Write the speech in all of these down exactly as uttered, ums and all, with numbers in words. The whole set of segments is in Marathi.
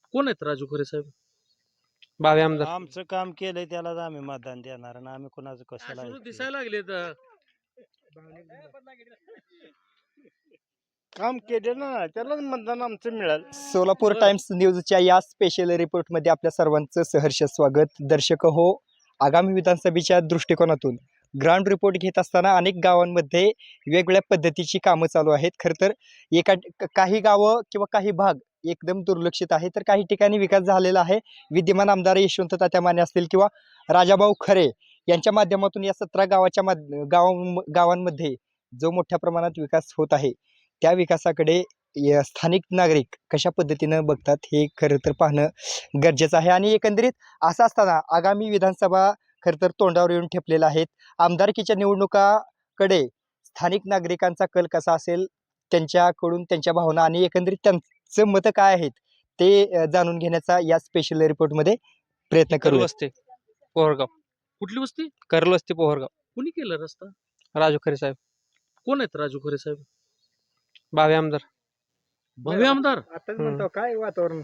कोण आहेत राजू खरे साहेब? भावी आमदार. आमचं काम केलंय त्यालाच आम्ही मतदान देणार आणि आम्ही कुणाचं कशाला अश्रू ऐकतोय? दिसायला लागले तर काम केले ना त्यालाच मतदान आमचं मिळालं. सोलापूर बरं. टाइम्स न्यूजच्या या स्पेशल रिपोर्टमध्ये आपल्या सर्वांचं सहर्ष स्वागत. दर्शक हो, आगामी विधानसभेच्या दृष्टिकोनातून ग्राउंड रिपोर्ट घेत असताना अनेक गावांमध्ये वेगवेगळ्या पद्धतीची कामं चालू आहेत. खरं तर एका क- काही गावं किंवा काही भाग एकदम दुर्लक्षित आहे, तर काही ठिकाणी विकास झालेला आहे. विद्यमान आमदार यशवंत तात्या माने असतील किंवा राजाभाऊ खरे यांच्या माध्यमातून या सतरा गावाच्या माध गाव गावांमध्ये जो मोठ्या प्रमाणात विकास होत आहे, त्या विकासाकडे या स्थानिक नागरिक कशा पद्धतीनं बघतात हे खरं तर पाहणं गरजेचं आहे. आणि एकंदरीत असं असताना आगामी विधानसभा खरं तर तोंडावर येऊन ठेपलेला आहेत. आमदारकीच्या निवडणुकाकडे स्थानिक नागरिकांचा कल कसा असेल, त्यांच्याकडून त्यांच्या भावना आणि एकंदरीत त्यांचं मतं काय आहेत ते अ, जाणून घेण्याचा या स्पेशल रिपोर्टमध्ये प्रयत्न करल करू. वस्ती पोहरगाव. कुठली वस्ती? करल वस्ती पोहरगाव. कुणी केलं रस्ता? राजू खरे साहेब. कोण आहेत राजू खरे साहेब? भावी आमदार. भव्य आमदार. आताच हम्म. म्हणतो काय वातावरण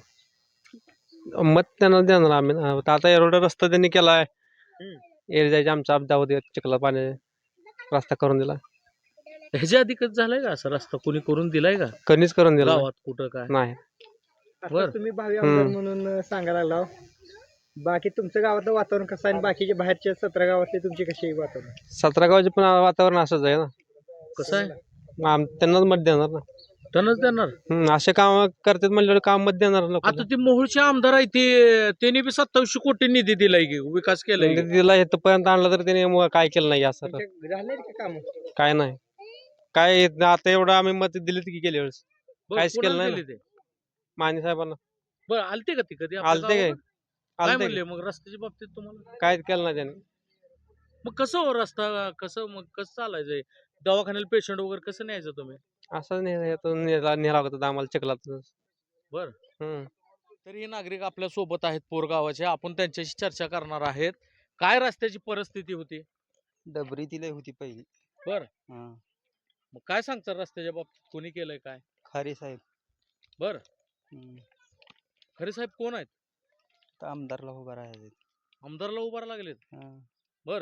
मत त्यांना देणार आम्ही ना. आता एवढा रस्ता त्यांनी केलाय. हम्म. एरी जायचे आमचा अपदा होते चिखला पाणी रस्ता करून दिला. ह्याच्या आधी कधी झालाय का असा रस्ता कोणी करून दिलाय का कणीच करून दिला गावात कुठं काय? नाही. बरं. तुम्ही भावी आमदार हम्म. म्हणून सांगायला लागला. बाकी तुमचं गावातलं वातावरण कसं आहे आणि बाकीचे बाहेरच्या सतरा गावातले तुमची कशी आहे वातावरण? सतरा गावाचे पण वातावरण असंच आहे ना. कसं आहे? मग आम- त्यांनाच मत देणार ना. टनच देणार. हम्म, असे काम करतात म्हणल्यावर काम मत देणार लोक. आता ते मोहोळचे आमदार आहे ते त्यांनी बी सत्तावीसशे कोटी निधी दिलाय की विकास केलाय की. दिला इथपर्यंत आणलं तर त्याने मग काय केलं नाही असं तर. झाले का काम? काय नाही काय आता एवढं आम्ही मत दिली की गेल्या वेळेस बरं, काहीच केलं कोणाला नाही दिले ते? माने साहेबांना. बरं, आलते का ती कधी आपल्या आलते काय गावावर? काय आलते म्हणले मग रस्त्याच्या बाबतीत तुम्हाला? काय केलं नाही त्याने. मग कसं हो रस्ता कसं मग कसं चालायचंय? दवाखान्याला पेशंट वगैरे कसं न्यायचं तुम्ही? असं नेला नेला होता आम्हाला चिखलात. बरं. हम्म. तर हे नागरिक आपल्या सोबत आहेत पोरगावाचे, आपण त्यांच्याशी चर्चा करणार आहेत. काय रस्त्याची परिस्थिती होती? डबरी दिली होती पहिली. बर हा. मग काय सांगता रस्त्याच्या बाबतीत कोणी केलंय काय? खरे साहेब. बर हम्म. खरे साहेब कोण आहेत? तर आमदारला उभा राहायचं. आमदारला उभारा लागलेत. हा. बर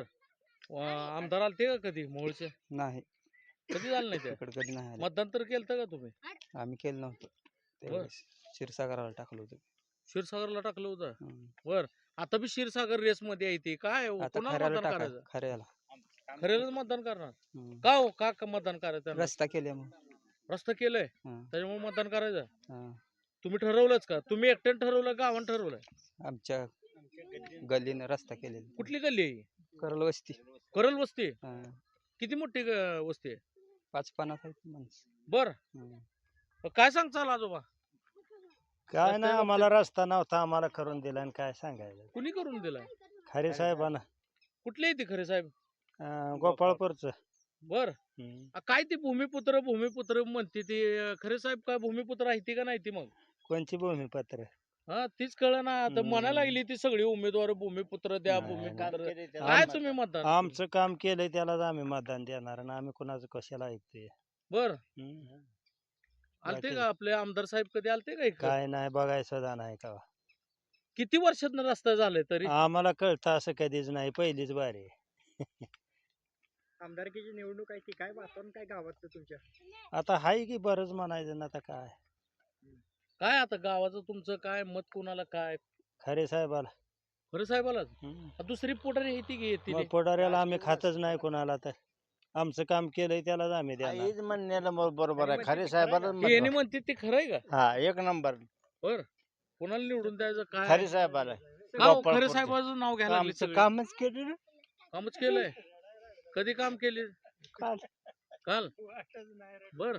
आमदार आलते का कधी मोहोळचे? नाही कधी झालं नाही ते? इकडे कधी नाही आले. मतदान तर केलं का तुम्ही? आम्ही केलं नव्हतं त्यावेळेस. क्षीरसागराला टाकलं होतं. क्षीरसागरला टाकलं होतं. हम्म. बर आता बी क्षीरसागर रेस मध्ये आहे ते काय हो? आता कोणाला खऱ्याला मतदान टाका करायचं? खऱ्याला. खरेलच मतदान करणार. हम्म. का हो का का मतदान करायचं त्यांना? रस्ता केले मग. रस्ता केलंय हा. त्याच्यामुळे मतदान करायचं. हा. तुम्ही ठरवलंच का? तुम्ही एकट्याने ठरवलं गावानं ठरवलंय? आमच्या गल्लीनं रस्ता केलेला. कुठली गल्ली आहे ही? करल वस्ती. करल वस्ती. हा. किती मोठी ग- वस्ती आहे? पाच पन्नास आहेत माणसं. बर हम्म. काय सांगचाल आजोबा? काय रस्त्या ना आम्हाला रस्ता नव्हता आम्हाला करून दिला आणि काय सांगायचं. कुणी करून दिलाय? खरे साहेबांना. कुठले येते खरे साहेब? अं, गोपाळपूरचं. बर हम्म. आ, काय ती भूमिपुत्र भूमिपुत्र म्हणते ती अं, खरे साहेब काय भूमिपुत्र आहे ती का नाही ती मग? कोणची भूमिपत्र. हा तीच कळ ना आता हम्म. म्हणायला लागली ती सगळी उमेदवार भूमिपुत्र द्या नाही, भूमिपुत्र. नाही. काय तुम्ही मतदान? आमचं काम केलंय त्यालाच आम्ही मतदान देणार आणि आम्ही कुणाचं कशाला ऐकतोय. बर हम्म. आलते बाकी- का आपले आमदार साहेब कधी आलते का इकडं? काय नाही बघायचं सुद्धा नाही का. किती वर्षात रस्ता झालाय तरी? आम्हाला कळतं असं कधीच नाही पहिलीच बारी आहे. आमदारकीची निवडणूक आहे की काय वातावरण काय गावातलं तुमच्या? आता हाय की बरंच म्हणायचं ना आता काय. काय आता गावाचं तुमचं काय मत कोणाला काय? खरे साहेबाला. खरे साहेबालाच. हम्म. आ, दुसरी पोटारी येते की येते मग पुढाऱ्याला आम्ही खातच नाही कोणाला तर. आमचं काम केलंय त्यालाच आम्ही देणार. हेच म्हणण्याला मग बरोबर आहे. खरे साहेबाला यांनी म्हणते ते खरं आहे का? हा एक नंबर बर कोणाला निवडून द्यायचं काय? खरे साहेबाला का हो, खरे गोपाळपूरचे. साहेबाचं नाव घ्यायला लागले आमचं सगळे? कामच केलं ना. कामच केलंय. कधी काम केले? काल. काल बर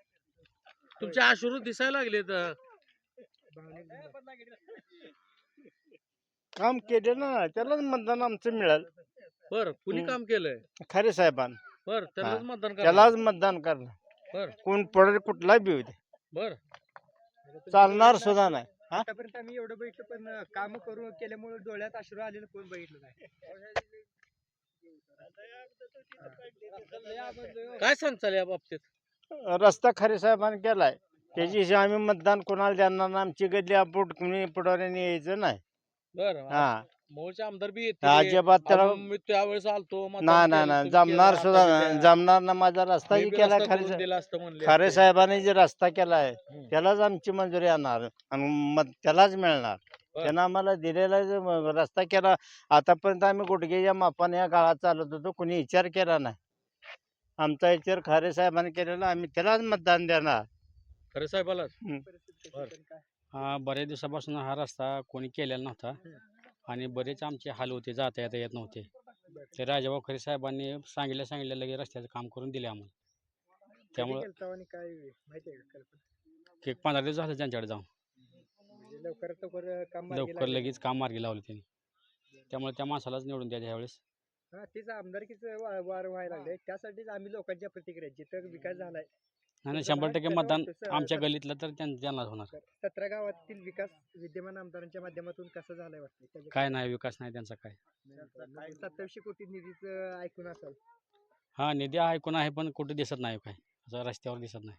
तुमचे अश्रू दिसायला लागले तर. काम केले ना त्यालाच मतदान आमचं मिळालं. बर कुणी हम्म. काम केलंय? खरे साहेबांना. बर त्यालाच हा. मतदान करा. त्यालाच मतदान करणार. बर कोण पडेल कुठला बी होऊ दे. बर चालणार सुद्धा नाही. हा? आतापर्यंत आम्ही एवढं बघितलं पण काम करून केल्यामुळे डोळ्यात अश्रू आलेलं कोण बघितलं नाही. काय सांगताल या बाबतीत? रस्ता खरे साहेबांनी केलाय. त्याच्याशी आम्ही मतदान कोणाला देणार नाही. आमची गल्ली आपण कुणी पुढाऱ्याने यायचं नाही. बरं हा मोहोळचे आमदार बी येतील अजिबात त्याला अहो, मी त्यावेळेस आलतो मतदान नाही केलं, नाही नाही तुम्ही जमणार केलं, सुद्धा आता नाही. बी द्या. जमणार ना. माझा रस्ता मी जी बी केला रस्ता खरे करून दिला असतं म्हणले खरे असते. साहेबांनी जे रस्ता केलाय हम्म. त्यालाच आमची मंजुरी येणार आणि मत त्यालाच मिळणार. बरं. त्यानं आम्हाला दिलेला जो म- रस्ता केला आतापर्यंत आम्ही गुडघेच्या मापाने या काळात चालत होतो. कुणी विचार केला नाही. आमचा विचार खरे साहेबांनी केलेला आम्ही त्यालाच मतदान देणार. खरे साहेबाला हा बऱ्याच दिवसापासून हा रस्ता कोणी केलेला नव्हता आणि बरेच आमचे हाल होते, जाता येता येत नव्हते. ते राजाभाऊ खरे साहेबांनी सांगितलं सांगितलं लगे रस्त्याचं काम करून दिले आम्हाला. त्यामुळं काय माहिती आहे का कल्पना? एक पंधरा दिवस झाले त्यांच्याकडे जाऊन म्हणजे लवकरात लवकर काम मार्गी लवकर लागलं. लगेच काम मार्गी लावले त्यांनी. त्यामुळे त्या माणसालाच निवडून द्यायच्या ह्यावेळेस. हा तेच आमदारकीचं वा- वार व्हायला लागले त्यासाठीच आम्ही लोकांच्या प्रतिक्रिया जिथं विकास झालाय आणि तुमचं शंभर भाग टक्के कसं मतदान वाटतं? स- आमच्या स- गल्लीतलं तर त्यां- त्यांनाच होणार. सतरा गावातील विकास विद्यमान आमदारांच्या माध्यमातून कसा झालाय वाटतं? काय नाही विकास नाही त्यांचा काय. सत्तावीसशे कोटी निधीचं ऐकून असाल. हा निधी ऐकून आहे पण कुठे दिसत नाही काय, असं रस्त्यावर दिसत नाही.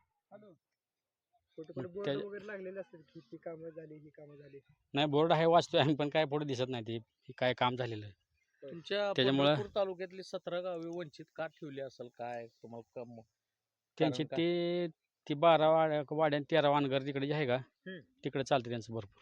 कुठे कुठे मग बोर्ड त्या- वगैरे लागलेले असतात की ही कामं झाली ही कामं झाली. नाही बोर्ड आहे वाचतोय आम्ही पण काय पुढे दिसत नाही ते हे काय काम झालेलं आहे. तुमच्या त्याच्यामुळं- पंढरपूर तालुक्यातली सतरा गावे वंचित का ठेवली असेल काय तुम्हाला कम- त्यांची कारण ते ती बारा वाड्या वाड्या तेरा वानगर तिकडे जे आहे का हम्म. तिकडे चालतं त्यांचं भरपूर.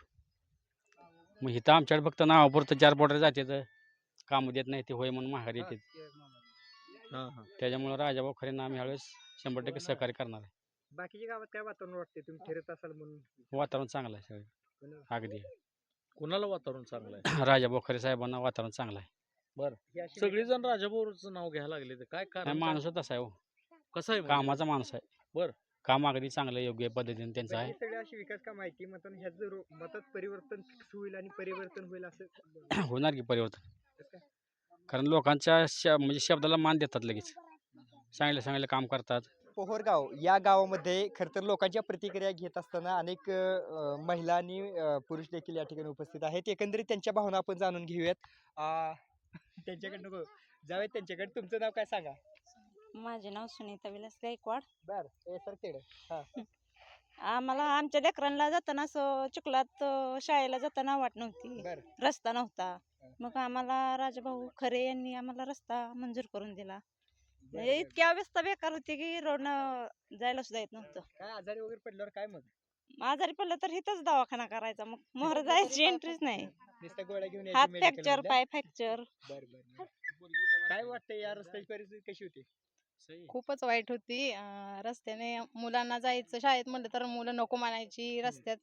मग इथं आमच्याकडे फक्त नावापुरतं चार पोटर जाते तर काम देत नाही ते होय म्हणून माघारी येते. हा, हा. त्याच्यामुळे राजाभाऊ खरेंना आम्ही ह्यावेळेस शंभर टक्के सहकार्य करणार आहे. बाकीच्या गावात काय वातावरण वाटते तुम्ही फिरत असाल म्हणून? वातावरण चांगलं आहे सगळं अगदी. कुणाला वातावरण चांगलं आहे? राजाभाऊ खरे साहेबांना वातावरण चांगलं आहे. ही अशी सगळेजण राजाभाऊचं नाव घ्यायला लागले ते काय नाही कारण काय? माणूस तसा आहे हो, कसं आहे म्हणजे? कामाचा माणूस आहे. बरं. काम अगदी चांगलं योग्य पद्धतीने त्यांचं म्हणजे आहे. सगळी अशी विकास काम आहे की मतान ह्याचं रो- मतात परिवर्तन फिक्स होईल आणि परिवर्तन होईल असं होणार की परिवर्तन. कसं काय? कारण लोकांच्या श म्हणजे शब्दाला मान देतात लगेच, चांगले चांगले काम करतात. पोहरगाव या गावामध्ये खर तर लोकांच्या प्रतिक्रिया घेत असताना अनेक अ, महिला आणि अ, पुरुष देखील या ठिकाणी उपस्थित आहेत. एकंदरीत त्यांच्या भावना आपण जाणून घेऊयात. आ, त्यांच्याकडे नको जाऊयात त्यांच्याकडे. तुमचं नाव काय सांगा? माझे नाव सुनीता विलास गायकवाड. बर हे सर तेवढं. हा आम्हाला आमच्या लेकरांना जाताना असं चिखलात अं, शाळेला जाताना वाट नव्हती, बर रस्ता नव्हता. मग आम्हाला राजाभाऊ खरे यांनी आम्हाला रस्ता मंजूर करून दिला. म्हणजे इतकी अवस्था बेकार होती की रोडनं जायला सुद्धा येत नव्हतं. काय आजारी वगैरे पडल्यावर काय मग आजारी पडलं तर इथंच दवाखाना करायचा, मग मोहर जायची एंट्रीच नाही. नुसत्या गोळ्या घेऊन हात यायची फ्रॅक्चर, medical पाय फ्रॅक्चर. बर बर काय वाटतं या रस्त्याची परिस्थिती कशी होती? खूपच वाईट होती. अं, रस्त्याने मुलांना जायचं शाळेत म्हणलं तर मुलं नको म्हणायची. रस्त्यात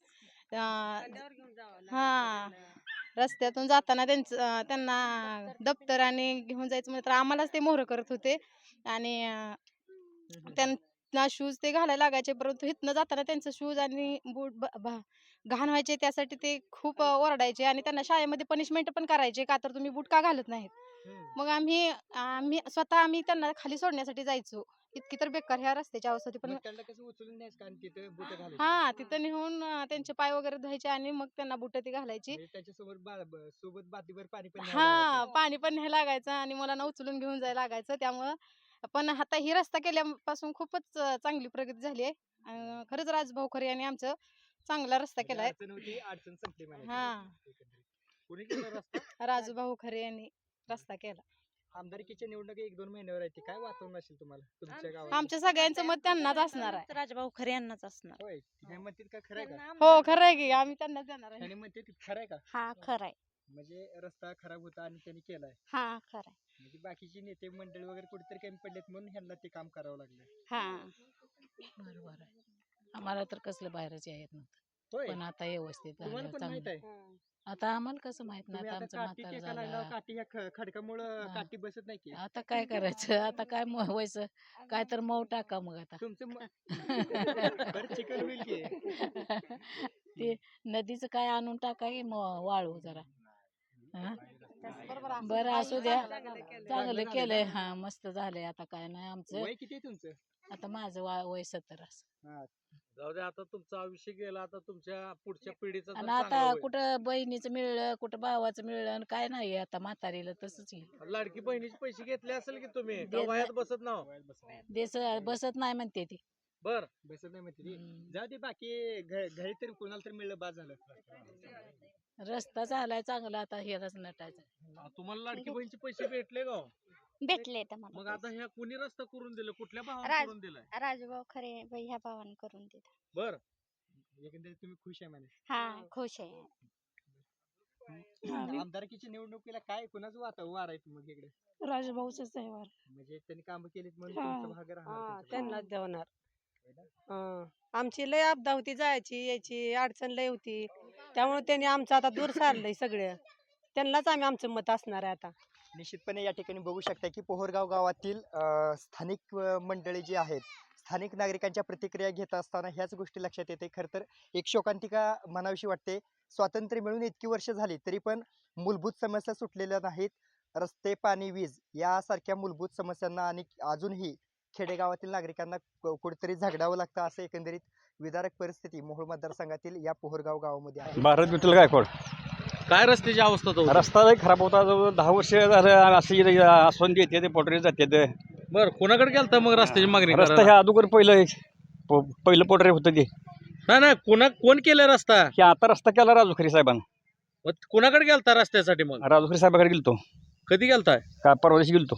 अं, हा रस्त्यातून जाताना त्यांचं अं, त्यांना दप्तर आणि घेऊन जायचं म्हणलं तर आम्हालाच ते मोहर करत होते आणि अं, त्यांना शूज ते घालायला लागायचे, परंतु इथनं जाताना त्यांचं शूज आणि बूट ब- भा- घाण व्हायचे. त्यासाठी ते खूप अं, ओरडायचे आणि त्यांना शाळेमध्ये पनिशमेंट पण करायचे का तर तुम्ही बूट का घालत नाहीत. हम्म. मग आम्ही आम्ही स्वतः आम्ही त्यांना खाली सोडण्यासाठी जायचो. इतकी तर बेकार ह्या रस्त्याची अवस्था होती. पण मग त्यांना कसं उचलून न्यायचं कारण तिथं बुट घालायची. हा तिथं नेऊन अं, त्यांचे पाय वगैरे धुवायचे आणि मग त्यांना बुट ती घालायची. म्हणजे त्याच्यासोबत बा- ब- सोबत बातीभर पाणी पण न्यावं हा लागायचं. पाणी पण न्यायला लागायचं आणि मुलांना उचलून घेऊन जायला लागायचं. त्यामुळं पण आता ही रस्ता केल्यापासून खूपच अं, चांगली प्रगती झाली आहे. अं, खरंच राजभाऊ खरे यांनी आमचं चांगला रस्ता म्हणजे केलाय. अडचण होती अडचण संपली म्हणायची. हा एकंदरीत. कोणी केला रस्ता? राजूभाऊ खरे यांनी रस्ता केला. आमदारकीच्या निवडणूक एक दोन महिन्यावर येते काय वातावरण असेल तुम्हाला तुमच्या गावात? आमच्या सगळ्यांचं मत त्यांनाच असणार आहे. राजाभाऊ खरे यांनाच असणार. होय काय म्हणतात का खरं आहे का? हो खरं आहे की आम्ही त्यांनाच देणार आहे. त्याने म्हणते खरं आहे का? हा खराय. म्हणजे रस्ता खराब होता आणि त्यांनी केलाय. हा खराय. म्हणजे बाकीचे नेते मंडळी वगैरे कुठेतरी कमी पडलेत म्हणून ह्यांना ते काम करावं लागलं. हा बरोबर आहे. आम्हाला तर कसलं बाहेरच येत नव्हतं, होय पण आता व्यवस्थित तुम्हाला झालं पण माहित चांगलं. आहे आता आम्हाला कसं माहित नाही, तुम्ही आता आता आमचं काठी म्हातार टेका लागल्यावर झालं. काठी ह्या ख- खडकामुळं हा. काठी बसत नाही की आता काय करायचं, आता काय म- व्हायचं, काय तर मऊ टाका मग आता. तुमचं म- बरं चिकन होईल की ते नदीचं काय आणून टाका की मग वाळू जरा. हा? बरं असू द्या, चांगलं केलंय. हा मस्त झालंय. आता काय नाही आमचं. वय किती आहे तुमचं? आता माझं वा- वय सत्तर असं. हा. जाऊ दे आता तुमचं आयुष्य गेलं आता तुमच्या पुढच्या पिढीचं तर आणि चांगलं आता होईल. कुठं बहिणीचं मिळलं, कुठं भावाचं मिळलं, आणि काय नाही आता म्हातारीला तसंच येईल. लाडकी बहिणीचे पैसे घेतले असेल की तुम्ही का देत वयात बसत नाव देश बसत नाही म्हणते ती. बर बसत नाही म्हणते ती. जाऊ दे बाकी घ- घरी तरी कोणाला तरी मिळलं बाद झालं. रस्ता झालाय चांगला आता हेच नटायचा. तुम्हाला लाडकी बहिणीचे पैसे भेटले का हो? भेटले मग आता ह्या कुणी रस्ता करून दिलं, कुठल्या भावाने राज- करून दिलाय? राजूभाऊ खरे ह्या भावाने करून दिला. बर एकंदरीत तुम्ही खुश आहे म्हणे. हा खुश आहे. आमदारकीच्या निवडणुकीला काय कुणाचं वाता वार आहे मग इकडे? राजभाऊच आहे वार. म्हणजे त्यांनी काम केलीत म्हणून हा. तुमचा भाग राहणार हा त्यांच्याकडे. त्यांनाच देवणार. हा. आमची लय आपदा होती, जायची यायची अडचण लय होती, त्यामुळे त्यांनी आमचं आता दूर सारलंय सगळं. त्यांनाच आम्ही आमचं मत असणार आहे आता. निश्चितपणे या ठिकाणी बघू शकता की पोहरगाव गावातील अ, स्थानिक अ, मंडळी जी आहेत, स्थानिक नागरिकांच्या प्रतिक्रिया घेत असताना ह्याच गोष्टी लक्षात येते. खरं तर एक शोकांतिका म्हणावीशी वाटते. स्वातंत्र्य मिळून इतकी वर्ष झाली तरी पण मूलभूत समस्या सुटलेल्या नाहीत. रस्ते, पाणी, वीज यासारख्या मूलभूत समस्यांना आणि अजूनही खेडेगावातील नागरिकांना क- कुठेतरी झगडावं लागतं, असं एकंदरीत विदारक परिस्थिती मोहोळ मतदारसंघातील या पोहरगाव गावामध्ये आहे. भारत विठ्ठल गायकवाड. काय रस्त्याची अवस्था तो रस्ता लय खराब होता. जवळ दहा वर्ष झालं असे आसवंदी येते ते पोटरी जाते. बर कोणाकडे गेलता मग रस्त्याची मागणी रस्ता करायला? ह्या अगोदर पहिलं प- पहिलं पोटरे होतं ते. नाही नाही कोणा कोण केलं रस्ता? की आता रस्ता केला राजूखरी साहेबांना. मग कोणाकडे गेलता रस्त्यासाठी? मग राजूखरी साहेबाकडे गेलतो. कधी गेलताय? का परवा दिवशी गेलतो.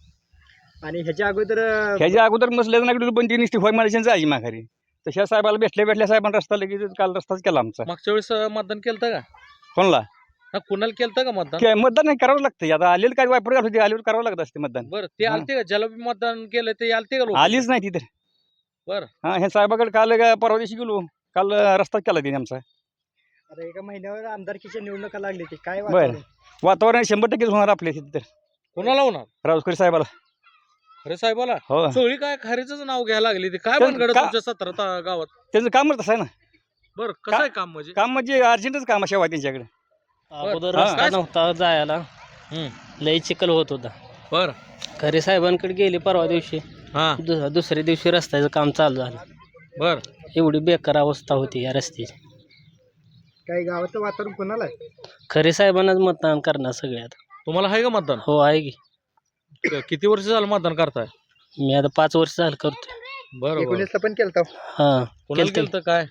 आणि ह्याच्या अगोदर अ, ह्याच्या अगोदर मसल्याचं नागरिक पण ती नुसती होय म्हणायची जायची माघारी. तशा साहेबाला भेटल्या भेटल्या साहेबांना रस्ता लगेच काल रस्ताच केला आमचा. मागच्या वेळेस अं, मतदान केलं का? कोणला हा, कुणाला केलं का मतदान? काय मतदान नाही करावं लागतं. आता आलेलं काय वापर घालत होती, आल्यावर करावं लागत असते मतदान. बरं ते हा. आलते का? ज्याला बी मतदान केलं ते आलते का लोक? आलीच नाही तिथे. बरं. हा हे साहेबाकडे काल ग- परवा दिवशी गेलो. काल रस्ता केला तिने आमचा. आता एका महिन्यावर आमदारकीच्या निवडणुका लागली ती काय बरं. वातावरण? वातावरण शंभर टक्केच होणार आपल्या तिथे तर. कोणाला होणार? राजूखरी साहेबाला. खरे साहेबाला हो सगळी काय खरेच नाव घ्यायला लागली ते काय तर बनगड का- तुमच्या सतरा ता- गावात? त्यांचं कामच तसं आहे ना. बरं कसं आहे काम म्हणजे? काम म्हणजे अर्जंटच काम अशा त्यांच्याकडे. अगोदर हा. रस्ता नव्हता जायला, हम्म. लई चिखल होत होता. बर खरे साहेबांकडे गेले परवा दिवशी, हा दु- दुसऱ्या दिवशी रस्त्याचं काम चालू झालं. बर एवढी बेकार अवस्था होती या रस्त्याची. काय गावाचं वातावरण कोणाला आहे? खरे साहेबांनाच मतदान करणार सगळ्यात. तुम्हाला आहे का मतदान? हो आहे की. क- किती वर्ष झालं मतदान करताय? मी आता पाच वर्ष झालं करतोय. बरं बरं. एकोणीसला पण केलता. हा कोणाला केलतं. केलं काय?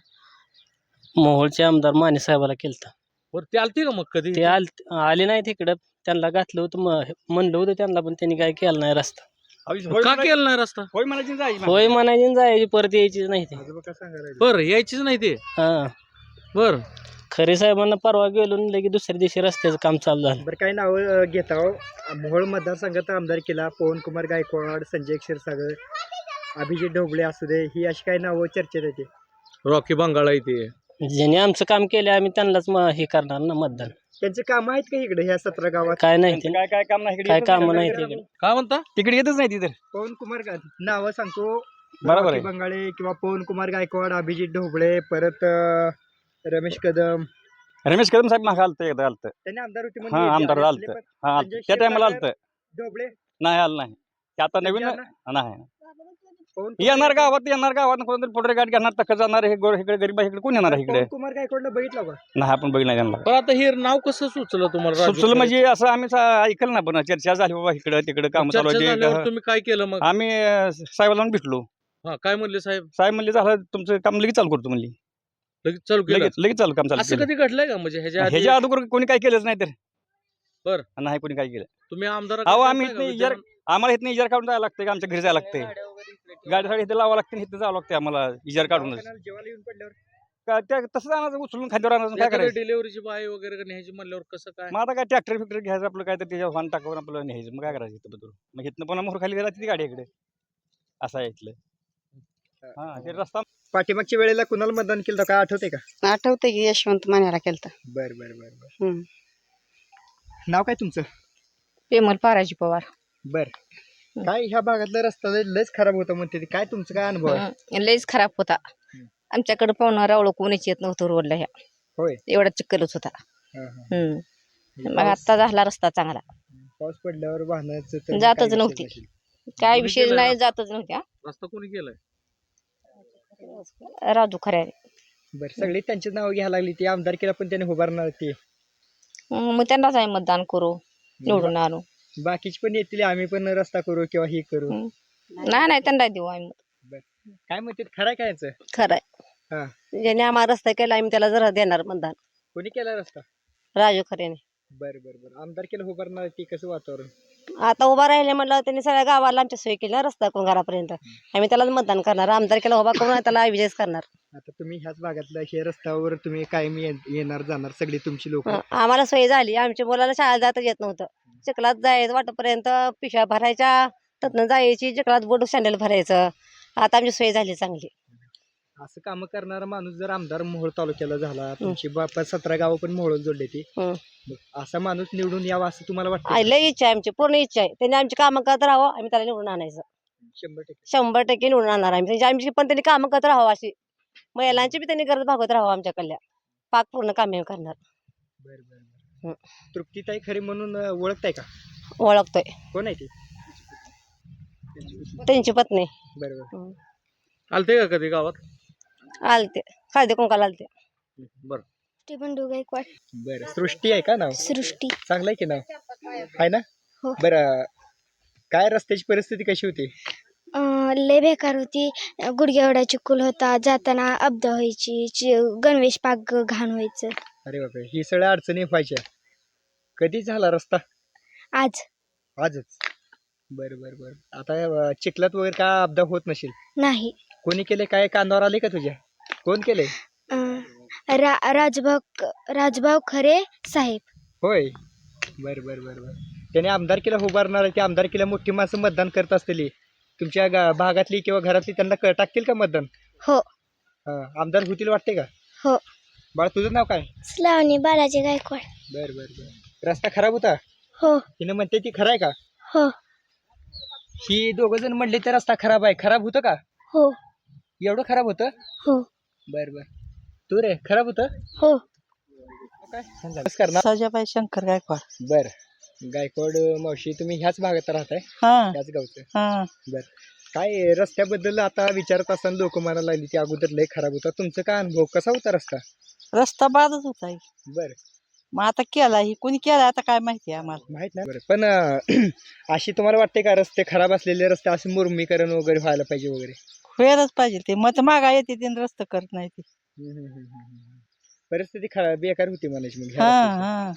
मोहोळचे आमदार माने साहेबाला केलता. बरं ते आलते का मग कधी? ते आल आले नाही तिकडं. त्यांना घातलं होतं, म- म्हणलं होतं त्यांना, पण त्यांनी काय केलं नाही रस्ता. का केलं नाही रस्ता? होय म्हणायची जायची होय म्हणायची आणि जायची, परत यायचीच नाही ते. आजोबा काय सांगायला? बर यायचीच नाही ते. हा बर खरे साहेबांना परवा गेलो आणि लगेच दुसऱ्या दिवशी रस्त्याचं काम चालू झालं. बरं काही नाव घेता हो. मोहोळ मतदारसंघात आमदार केला पवन कुमार गायकवाड, संजय क्षीरसागर, अभिजित ढोबळे असू दे, ही अशी काही नावं चर्चेत येते. रॉकी बंगाळा इथे. ज्याने आमचं काम केलं आम्ही त्यांनाच म- हे करणार ना मतदान. त्यांचे काम आहेत का इकडे ह्या सतरा गावात? काय नाही ते, काय काय काम नाही इकडे काय येतच काम नाही. नाही तिकडे. काय म्हणता? तिकडे येतच नाही तिथे. पवन कुमार गा- नावं सांगतो. बरोबर रॉकी आहे. बंगाळे किंवा पवन कुमार गायकवाड, अभिजित ढोबळे, परत अं, रमेश कदम, रमेश कदम साहेब मागे आलतं एकदा आलतं. त्यांनी आमदार होते हा म्हणून येते. आमदार आणि आलतं. असले पण हा संजय त्या टायमाला क्षीरसागर, आलतं. ढोबळे नाही आलं नाही. ते आता नवीन त्यांचे नाही. पवन येणार कुमार गावात येणार गावात कोणतरी पोटरे गाठ घेणार तक जाणार हे गोर इकडे गरीब इकडे कोण येणार आहे इकडे? पवन कुमार गायकवाडला बघितलं का? नाही आपण बघितलं त्यांना. पण आता हे नाव कसं सुचलं तुम्हाला? राजू सुचलं खरे? म्हणजे असं आम्ही सा- ऐकलं ना, पण चर्चा झाली बाबा इकडे तिकडे काम चालू चर्चा झाल्यावर आहे. तुम्ही काय केलं मग? आम्ही अं, साहेबाला जाऊन भेटलो. हा काय म्हणले साहेब? साहेब म्हणले झालं तुमचं काम लगेच चालू करतो म्हणली. लगेच चालू केलं? लगेच लगेच चालू काम चालू असं केलं. कधी घडलंय का म्हणजे ह्याच्या आधी? ह्याच्या अगोदर कोणी काय केलंच नाही तर. बरं. नाही कोणी काय केलं. तुम्ही आमदार अहो आम्ही इथनं इजार आम्हाला इथनं इजार काढून जायला लागतं, आमच्या घरी जायला लागते. गाडीसाठी इथे लावावं लागते, इथं जावं लागते आम्हाला इजार काढूनच. दवाखान्याला जेवायला येऊन पडल्यावर का त्या तसंच आणायचं, उचलून खाद्यावर आणायचं, काय करायचं. डिलिव्हरीची बाय वगैरे न्यायची म्हणल्यावर कसं काय? मग आता काय ट्रॅक्टर फिक्टर घ्यायचं आपलं, काय तर त्याच्यावर वाहन टाकावून आपलं न्यायचं. मग काय करायचं इथं बदलून. मग इथनं पुन्हा मोहर खाली राहते ती गाडी इकडे. असं आहे इथलं. हा ते रस्ता. पाठीमागच्या वेळेला कुणाला मतदान केलं होतं, काय आठवते का? आठवते की यशवंत मान्याला केलता. बर बर बर बर. हम्म. नाव काय तुमचं? पेमल पाराजी पवार. बर. काय ह्या भागातला रस्ता लय- लयच खराब होता म्हणते ते. काय तुमचं काय अनुभव आहे? हं, लयच खराब होता. आमच्याकडे पाहुणा रावळ कोणीच येत नव्हतं रोडला ह्या. होय. एवढा चिखलच होता. हा, हा. हम्म. मग पाऊस- आता झाला रस्ता चांगला. पाऊस पडल्यावर वाहनाचं तर जातच काही विषय नव्हती. नसेल. काय कोणी विषय केलंय नाही, रस्ता? जातच नव्हत्या. रस्ता कोणी केलाय? राजू खऱ्या. बर सगळी त्यांची नाव घ्यायला लागली ती. आमदारकीला पण त्याने उभारणार ते. मग त्यांनाच आम्ही मतदान करू, निवडून आणू. बाकीचे पण येतील, आम्ही पण रस्ता करू किंवा हे करू. हं. नाही नाही त्यांना देऊ आम्ही. बर. काय म्हणते खरं काय याचं? खरंय हा. ज्याने आम्हाला रस्ता केला आम्ही त्याला जरा देणार मतदान. कोणी केला रस्ता? राजू खरेने. बर बर बर आमदार केलं उभारणार ती कसं वातावरण? आता उभा राहिले म्हणलं त्यांनी सगळ्या गावाला आमच्या सोय केली ना रस्ता करून घरापर्यंत. आम्ही त्याला मतदान करणार. आमदार केला उभा करून त्याला विजयच करणार. आता तुम्ही ह्याच भागातल्या हे रस्त्यावर तुम्ही कायम ये- येणार जाणार सगळी तुमची लोक. हं, आम्हाला सोय झाली. आमच्या मुलाला शाळेला जाता येत नव्हतं. चिखलात जायचं वाटपर्यंत पिशव्या भरायच्या तिथनं जायची चिखलात बोट सँडल भरायचं. आता आमची सोय झाली चांगली. असं काम करणारा माणूस जर आमदार मोहोळ तालुक्याला झाला, तुमची बापा सतरा गावं पण मोहोळ जोडले ती, हं. मग असा माणूस निवडून यावा असं तुम्हाला वाटतं? आई, लय इच्छा आहे आमची, पूर्ण इच्छा आहे. त्यांनी आमची कामं करत राहावं, आम्ही त्याला निवडून आणायचं. शंभर टक्के. शंभर टक्के निवडून आणणार आम्ही. म्हणजे आमची पण त्यांनी कामं करत राहावं अशी. महिलांची बी त्यांनी गरज भागवत राहावं आमच्याकडल्या. पाक पूर्ण कामे करणार. बर बर हं. बर तृप्तीताई खरे म्हणून अं, ओळखताय का? ओळखतोय. कोण आहे ती? त्यांची पत्नी. बरोबर. हं. आलते का कधी गावात? आलते हळदी कुंकाला आलते. बरं बंडू गायकवाड. बरं सृष्टी आहे का नाव? सृष्टी. चांगलं आहे की नाव आहे ना? हो. बरं काय रस्त्याची परिस्थिती कशी होती? अं, लय बेकार होती. गुडघ्या एवढा चिखल होता. जाताना अपदा व्हायची. चि- गणवेश पाक घाण व्हायचं. अरे बापरे ही सगळ्या अडचणी व्हायच्या. कधी झाला रस्ता? आज आजच. बरं बरं बरं आता अं, चिखलात वगैरे काय अपघात होत नसेल? नाही. कोणी केले काय कानावर आले का तुझ्या? कोण केले? अं, रा राजभाऊ राजभाऊ खरे साहेब. होय. बरं बरं बरं बरं त्याने आमदारकीला उभारणार आहे. ते आमदारकीला मोठी माणसं मतदान करत असतील तुमच्या गा- भागातली किंवा घरातली, त्यांना क- टाकतील का मतदान? हो. हा, आमदार होतील वाटते का? हो. बाळ तुझं नाव काय? श्लावणी बालाजी गायकवाड. बरं बरं बरं रस्ता खराब होता? हो. हिनं म्हणते ती खरं आहे का? हो. ही दोघ जण म्हणले तर रस्ता खराब आहे. खराब होतं का? हो. एवढं खराब होतं? हो. बर बर तू रे खराब होतं? हो. काय नमस्कार ना. सजाबाई शंकर गायकवाड. बर गायकवाड मावशी तुम्ही ह्याच भागात राहताय? हा ह्याच गावचं? हा. बर काय रस्त्याबद्दल आता विचारत असताना लोक म्हणायला लागली की अगोदर लय खराब होता. तुमचा काय अनुभव कसा होता रस्ता? रस्ता बादच होता. बर मग आता केला ही कोणी केला आता काय माहिती आम्हाला. माहित नाही. बरं पण अं, अशी तुम्हाला वाटते का रस्ते खराब असलेले रस्ते असे मुरमीकरण वगैरे व्हायला पाहिजे वगैरे? व्हायलाच पाहिजे. ते मत मागा येते ते रस्ता करत नाही ते. हम्म, हम्म, हम्म, हम्म. परिस्थिती खराब बेकार होती म्हणायची मग ह्या हा रस्त्याची. हा.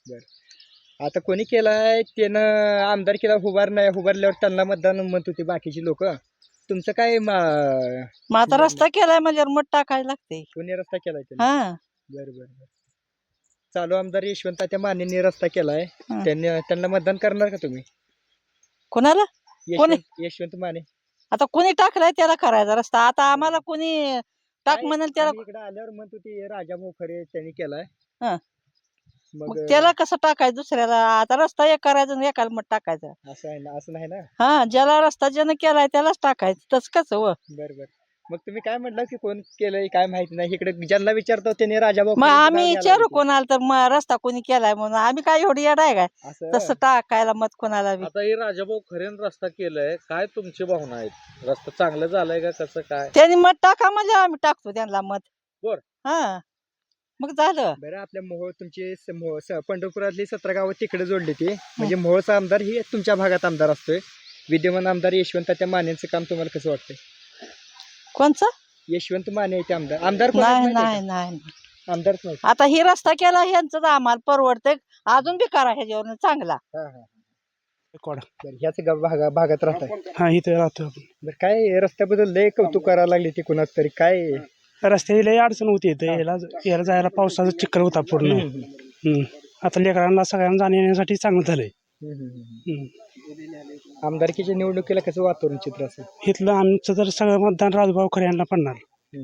बर आता कोणी केलाय त्यानं आमदार केला उभार नाही उभारल्यावर त्यांना मतदान म्हणत होते बाकीची लोक. तुमचं काय मा- मग आता रस्ता केलाय म्हणजे मत टाकायला लागते. कोणी रस्ता केलाय त्यानं? हा. बर बर बर चालू आमदार यशवंत त्या मानेंनी रस्ता केलाय. हा. त्यांनी त्यांना मतदान करणार का तुम्ही? कोणाला? कोणी? यशवंत यशवंत माने. आता कोणी टाकलाय त्याला करायचा रस्ता. आता आम्हाला कोणी टाक काय म्हणाल त्याला. आम्ही इकडे आल्यावर म्हणत होती राजा भाऊ खरे त्यांनी केलाय. हा. मग मग त्याला कसं टाकायचं दुसऱ्याला. आता रस्ता एक करायचा आणि एकाला मत टाकायचं. असं आहे ना? असं नाही ना? हा ज्याला रस्ता ज्यानं केलाय त्यालाच टाकायचं. तसं कसं व. बर बर मग तुम्ही काय म्हटलं की कोण केलंय काय माहिती नाही. इकडे ज्यांना विचारतो त्यांनी राजा भाऊ मग आम्ही विचारू कोणाला तर मग रस्ता कोणी केलाय म्हणून. आम्ही काय एवढी येड आहे काय असं तसं टाकायला मत कोणाला बी. आता हे राजाभाऊ खरेन रस्ता केलाय, काय तुमची भावना आहेत? रस्ता चांगलं झालंय का कसं काय? त्यांनी मत टाका म्हणजे आम्ही टाकतो त्यांना मत. बर. हा मग झालं. बरं आपल्या मोहोळ तुमचे स- मोहोळ स- पंढरपुरातली सतरा गावं तिकडे जोडली ती म्हणजे मोहोळचा आमदार ही तुमच्या भागात आमदार असतोय. विद्यमान आमदार यशवंत त्या मानेंचं काम तुम्हाला कसं वाटतंय? कोणचं? यशवंत माने ते आमदार आमदार कोण आहेत नाही माहिती नाही आहे नाही का? आमदारच नाही. आता ही रस्ता केला ह्यांचं आम्हाला परवडतंय. अजून बी करा ह्याच्यावर चांगला. हा, हा. बरं, ह्याच गाव भागा भागात राहताय? हा इथे राहतो आपण. बरं काय रस्त्याबद्दल लय कौतुक करायला लागले ते कुणाच तरी काय? रस्त्याची लई अडचण होती इथे. याला याला जायला पावसाचा चिखल होता पूर्ण. हम्म, हम्म. आता लेकरांना सगळ्यांना जाण्या येण्यासाठी चांगलं झालंय. हम्म, हम्म, हम्म. हम्म. आमदारकीच्या निवडणुकीला कसं वातावरण चित्र असेल? इथलं आमचं तर सगळं मतदान राजूभाऊ खरे यांना पडणार.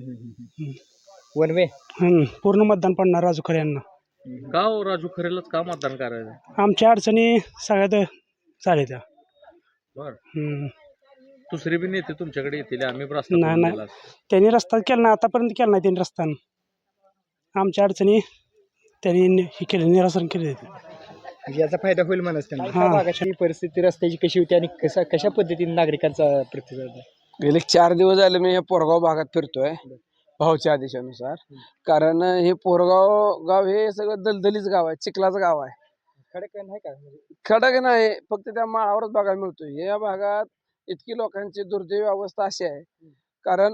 वन वे हम्म. पूर्ण मतदान पडणार राजू खरे यांना. का हो राजू खरेलाच का मतदान करायचं? आमच्या अडचणी सगळ्यात झाल्या त्या. बर हम्म. दुसरे बी नेते तुमच्याकडे येतील, आम्ही बी रस्ता नाही करून नाही दिला. त्यांनी रस्ता केला नाही आतापर्यंत केला नाही त्यांनी रस्ता. आमच्या अडचणी त्यांनी नि- हे केले निरासन केले. म्हणजे याचा फायदा होईल म्हणत त्यांना. हा. त्या भागाची परिस्थिती रस्त्याची कशी होती आणि कशा कशा पद्धतीने नागरिकांचा प्रतिसाद आहे? गेले चार दिवस झाले मी या पोरगाव भागात फिरतोय भाऊच्या आदेशानुसार. कारण हे पोरगाव गाव हे सगळं दलदलीच गाव आहे, चिखलाचं गाव आहे. खडक नाही का? म्हणजे खडक नाही, फक्त त्या माळावरच बघायला मिळतोय. या भागात इतकी लोकांची दुर्दैवी अवस्था अशी आहे कारण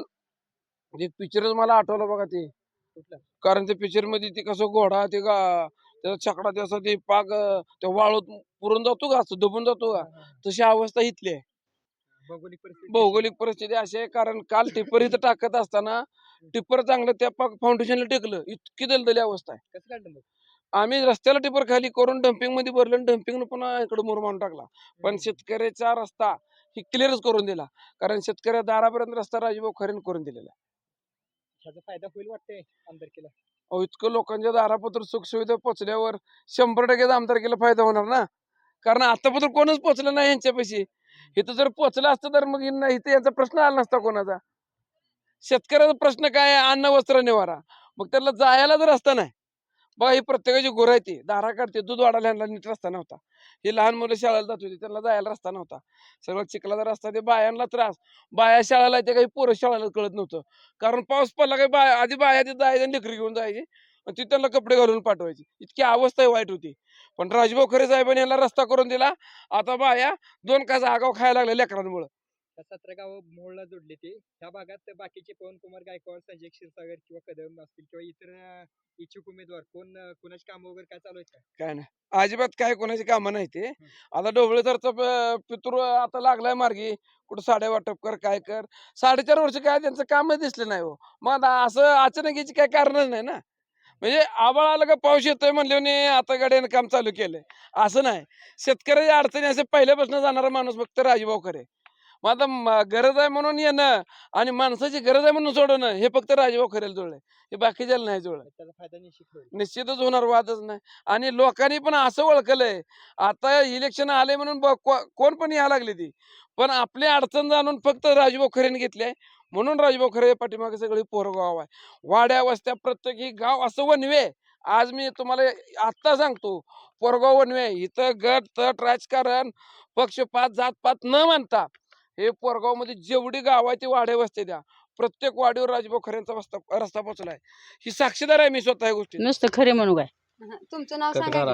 एक पिक्चरच मला आठवलं बघा ते, कारण ते पिक्चर मध्ये ते कसं घोडा ते गा त्याचा छकडा ते असं ते पाक अं, त्या वाळूत पुरून जातो का, असं दबून जातो का, तशी अवस्था इथली आहे. भौगोलिक परिस्थिती भौगोलिक परिस्थिती अशी आहे, कारण काल टिप्पर इथं टाकत असताना टिप्पर चांगलं त्या पाक फाउंडेशनला टेकलं, इतकी दलदली अवस्था आहे. कसं काढलं मग? आम्ही रस्त्याला टिपर खाली करून डम्पिंग मध्ये भरलं, डम्पिंग पुन्हा इकडे मुरमाडून टाकला. पण शेतकऱ्याचा रस्ता ही क्लिअरच करून दिला, कारण शेतकऱ्या दारापर्यंत रस्ता राजभाऊ खरेन करून दिलेला आहे. ह्याचा फायदा होईल वाटतंय आमदारकीला? अहो, इतकं लोकांच्या दारापत्र सुखसुविधा पोचल्यावर शंभर टक्के आमदारकीला फायदा होणार ना, कारण आतापत्र कोणच पोचलं नाही यांच्यापाशी. इथं जर पोचलं असतं तर मग इन- इथं यांचा प्रश्न आला नसता कोणाचा. शेतकऱ्याचा प्रश्न काय आहे? अन्न वस्त्र निवारा. मग त्याला जायला जर रस्ता नाही, बघा ही प्रत्येकाची गुरं आहे, ती दारा काढते, दूध वाढायला ह्यांना नीट रस्ता नव्हता. ही लहान मुलं शाळेला जात होती, त्यांना जायला रस्ता नव्हता. सगळं चिखलाचा रस्ता, ते बायांना त्रास. बाया शाळेला येते, काही पोरं शाळेला कळत नव्हतं, कारण पाऊस पडला काही बाया आधी बाया तिथे जायची आणि लेकरी घेऊन जायची आणि ती त्यांना कपडे घालून पाठवायची. इतकी अवस्था वाईट होती. पण राजभाऊ खरे साहेबांनी यांना रस्ता करून दिला. आता बाया दोन कासा आगाव खायला लागल्या लेकरांमुळे. सतरा गाव मोहळला जोडले ते. ह्या भागात बाकीचे पवन कुमार गायकवाड, संजय क्षीरसागर किंवा कदम असतील किंवा इतर अं, इच्छुक उमेदवार कोण अं, कोणाची कामं वगैरे काय चालू आहेत का? काय नाही, अजिबात काय कोणाची कामं नाही ते. आता ढोबळेसरचा प- पितृ आता लागलाय मार्गी, कुठं साडे वाटप कर, काय कर. साडेचार वर्ष काय त्यांचं कामच दिसलं नाही हो. मग आता असं अचानक याची काय कारणच नाही ना. म्हणजे आबाळ आलं का पाऊस येतोय म्हणले आता गाड्यानं काम चालू केलंय, असं नाही. शेतकऱ्याच्या अडचणी असे पहिल्यापासून जाणारा माणूस फक्त राजभाऊ खरे. मग आता म- गरज आहे म्हणून येणं आणि माणसाची गरज आहे म्हणून सोडणं हे फक्त राजभाऊ खरेला जुळलंय, हे बाकीच्याला नाही जुळलं. त्याचा फायदा निश्चित होईल. निश्चितच होणार, वादच नाही. आणि लोकांनी पण असं ओळखलंय, आता इलेक्शन आले म्हणून ब- को- कोण पण यायला लागली ती, पण आपली अडचण जाणून फक्त राजभाऊ खरेने घेतले, म्हणून राजभाऊ खरे पाठीमागे सगळी पोरगाव आहे. वाड्या वस्त्या प्रत्येक ही गाव असं वनवे. आज मी तुम्हाला आत्ता सांगतो, पोरगाव वनवे. इथं गट तट राजकारण पक्षपात जातपात न मानता हे पोरगाव मध्ये जेवढी गाव आहे ती वाड्या वस्त्या द्या, प्रत्येक वाडीवर राजभाऊ खऱ्यांचा रस्ता रस्ता पोहोचलाय. ही साक्षीदार आहे मी स्वतः या गोष्टी. नुसतं खरे म्हणू काय. तुमचं नाव कटकारा.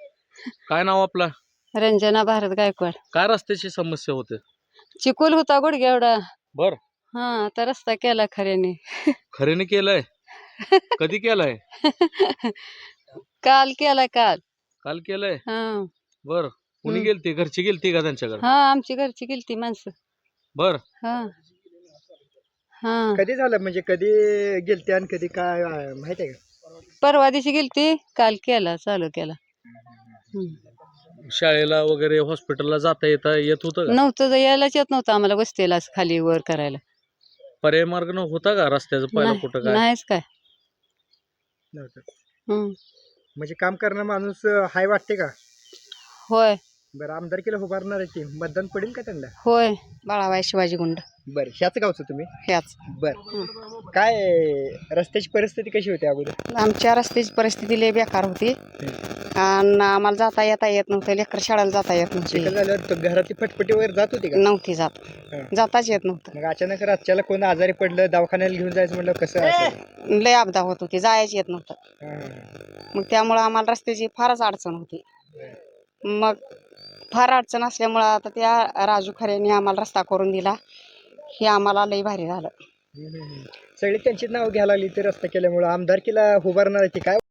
काय नाव आपलं? रंजना भारत गायकवाड. काय रस्त्याची समस्या होते? चिकोल होता गुडघ्या एवढा. बर. हा आता रस्ता केला खऱ्याने. खरेने केलंय? कधी केलाय? काल केला काल. काल केलंय? हा बर. कुणी हम्म. गेलती? घरची गेलती का त्यांच्याकडे? हा आमची घरची गेलती माणसं. बर. हा हा कधी झालं म्हणजे कधी गेलते आणि कधी काय अं, माहित आहे का? परवा दिवशी गेलती, काल केला चालू केला. हम्म. शाळेला वगैरे हॉस्पिटलला जाता येता येत होतं का? नव्हतं यायलाच येत नव्हतं आम्हाला वस्तीला असं खाली वर करायला. पर्याय मार्ग न होता का रस्त्याचं पहिला नाही- कुठं काय? नाहीच काय. नव्हतं. हम्म. म्हणजे काम करणार माणूस अं, हाय वाटते का? होय बरं, आमदारकीला उभारणार आहे की मतदान पडेल का त्यांना? होय बाळाबाई शिवाजी गुंड. बरं, ह्याच गावचं तुम्ही? ह्याच. बरं, काय रस्त्याची परिस्थिती कशी होती अगोदर? आमच्या रस्त्याची परिस्थिती लय बेकार होती आणि आम्हाला जाता येता येत नव्हतं, लेकर शाळेला जाता येत चिखल नव्हती. झाल्यावर तो घरातली फटफटी वगैरे जात होती का? नव्हती जात, हा. जाताच येत नव्हतं. मग अचानक रातच्याला कोण आजारी पडलं, दवाखान्याला घेऊन जायचं म्हणलं कसं असेल? लय अपघात होत होती, जायच येत नव्हतं. हा. मग त्यामुळं आम्हाला रस्त्याची फारच अडचण होती. मग फार अडचण असल्यामुळं आता त्या राजू खऱ्यांनी आम्हाला रस्ता करून दिला, हे आम्हाला लय भारी झालं. हम्म, हम्म, हम्म. सगळी त्यांची नाव घ्यायला लागली ते रस्ता केल्यामुळे आमदारकीला उभारणार आहे ती काय?